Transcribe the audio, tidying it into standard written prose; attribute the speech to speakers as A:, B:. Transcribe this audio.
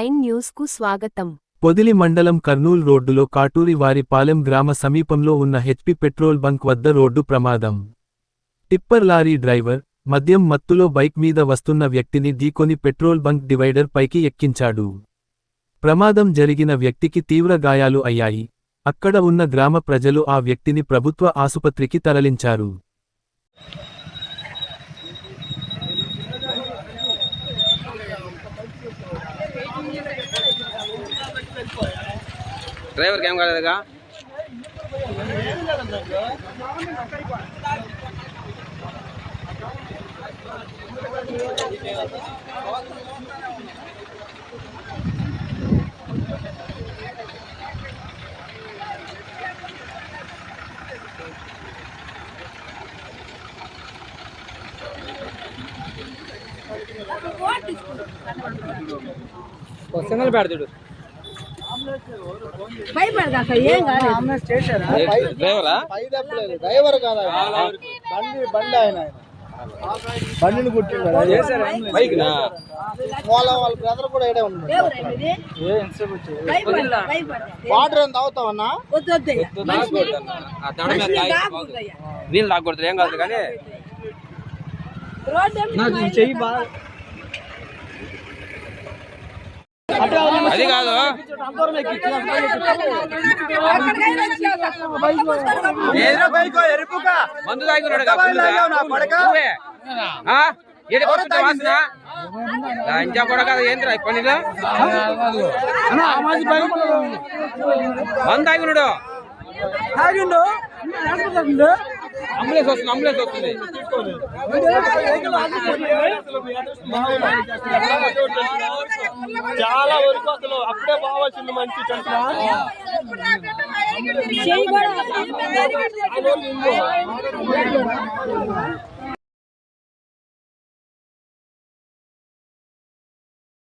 A: 9 న్యూస్కు స్వాగతం.
B: పొదిలి మండలం కర్నూల్ రోడ్డులో కాటూరి వారి పాలెం గ్రామ సమీపంలో ఉన్న హెచ్పి పెట్రోల్ బంక్ వద్ద రోడ్డు ప్రమాదం. టిప్పర్ లారీ డ్రైవర్ మద్యం మత్తులో బైక్ మీద వస్తున్న వ్యక్తిని ఢీకొని పెట్రోల్ బంక్ డివైడర్ పైకి ఎక్కించాడు. ప్రమాదం జరిగిన వ్యక్తికి తీవ్ర గాయాలు అయ్యాయి. అక్కడ ఉన్న గ్రామ ప్రజలు ఆ వ్యక్తిని ప్రభుత్వ ఆసుపత్రికి తరలించారు.
C: డ్రైవర్ ఏం కాలేదుగా. సింగల్ పెడతాడు
D: డ్రైవర్ కాదు, బండి ఆయన బండిని కుట్టిండు. వాళ్ళ బ్రదర్ కూడా ఇడే ఉన్నాడు. వాటర్ ఏం తాగుతావన్నా?
C: నీళ్ళు తాగకూడదు, ఏం కాదు కానీ
D: చెయ్యి బాగా
C: అది కాదు. మందు తాగినాడు ఇంకా కూడా కదా ఏంద్రా పనిలో మందు తాగినాడు. అంబులెన్స్ వస్తుంది.
D: చాలా వరకు అసలు అప్పుడే బాగా మంచి